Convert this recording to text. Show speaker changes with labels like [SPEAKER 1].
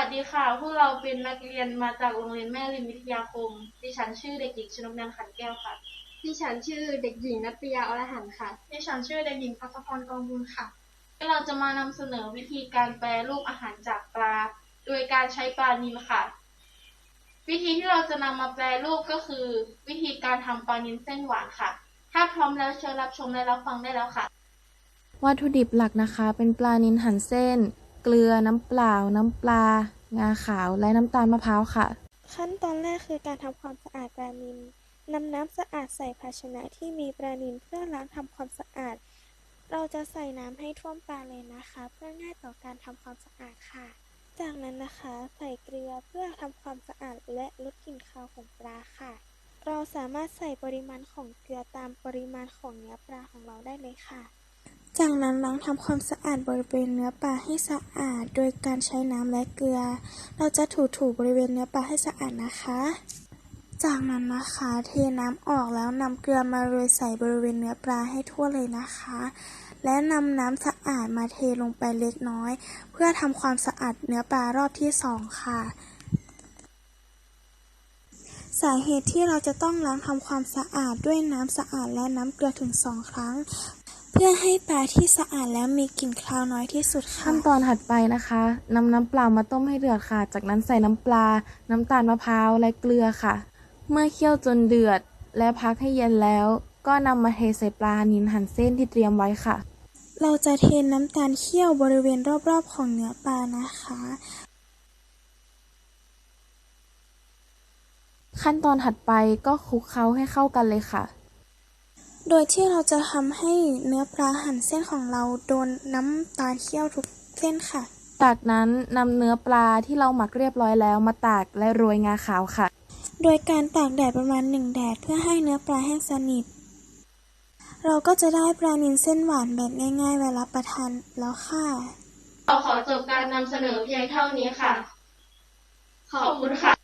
[SPEAKER 1] สดีค่ะพวกเราเป็นนักเรียนมาจากโรงเรียนแม่ริมวิทยาคมดิฉันชื่อเด็กหญิงชนกนันท์ขันแก้วค่ะ
[SPEAKER 2] ดิฉันชื่อเด็กหญิงนัตยาอรหันต์ค่ะ
[SPEAKER 1] ดิฉันชื่อเด็กหญิงพัชพรกองบุญค่ะเราจะมานำเสนอวิธีการแปรรูปอาหารจากปลาโดยการใช้ปลานิลค่ะวิธีที่เราจะนำมาแปรรูปก็คือวิธีการทำปลานิลเส้นหวานค่ะถ้าพร้อมแล้วเชิญรับชมและรับฟังได้แล้วค่ะ
[SPEAKER 3] วัตถุดิบหลักนะคะเป็นปลานิลหั่นเส้นเกลือน้ำเปล่าน้ำปลางาขาวและน้ำตาลมะพร้าวค่ะ
[SPEAKER 4] ขั้นตอนแรกคือการทำความสะอาดปลานิลนำน้ำสะอาดใส่ภาชนะที่มีปลานิลเพื่อล้างทำความสะอาดเราจะใส่น้ำให้ท่วมปลาเลยนะคะเพื่อง่ายต่อการทำความสะอาดค่ะจากนั้นนะคะใส่เกลือเพื่อทำความสะอาดและลดกลิ่นคาวของปลาค่ะเราสามารถใส่ปริมาณของเกลือตามปริมาณของเนื้อปลาของเราได้เลยค่ะจากนั้นล้างทำความสะอาดบริเวณเนื้อปลาให้สะอาดโดยการใช้น้ำและเกลือเราจะถูบริเวณเนื้อปลาให้สะอาดนะคะจากนั้นนะคะเทน้ำออกแล้วนำเกลือมาโรยใส่บริเวณเนื้อปลาให้ทั่วเลยนะคะและนำน้ำสะอาดมาเทลงไปเล็กน้อยเพื่อทำความสะอาดเนื้อปลารอบที่2ค่ะสาเหตุที่เราจะต้องล้างทำความสะอาดด้วยน้ำสะอาดและน้ำเกลือถึง2 ครั้งเพื่อให้ปลาที่สะอาดแล้วมีกลิ่นคาวน้อยที่สุดค่ะ
[SPEAKER 3] ขั้นตอนถัดไปนะคะนำน้ำเปล่ามาต้มให้เดือดค่ะจากนั้นใส่น้ำปลาน้ำตาลมะพร้าวและเกลือค่ะเมื่อเคี่ยวจนเดือดและพักให้เย็นแล้วก็นำมาเทใส่ปลานิลหั่นเส้นที่เตรียมไว้ค่ะ
[SPEAKER 4] เราจะเทน้ำตาลเคี่ยวบริเวณรอบๆของเนื้อปลานะคะ
[SPEAKER 3] ขั้นตอนถัดไปก็คลุกเคล้าให้เข้ากันเลยค่ะ
[SPEAKER 4] โดยที่เราจะทำให้เนื้อปลาหั่นเส้นของเราโดนน้ำตาลเคี่ยวทุกเส้นค่ะ
[SPEAKER 3] จากนั้นนำเนื้อปลาที่เราหมักเรียบร้อยแล้วมาตากและโรยงาขาวค่ะ
[SPEAKER 4] โดยการตากแดดประมาณ1 แดดเพื่อให้เนื้อปลาแห้งสนิทเราก็จะได้ปลานิลเส้นหวานแบบง่ายๆเวลาประทานแล้วค่ะ
[SPEAKER 1] เราขอจบการนำเสนอเพียงเท่านี้ค่ะขอบคุณค่ะ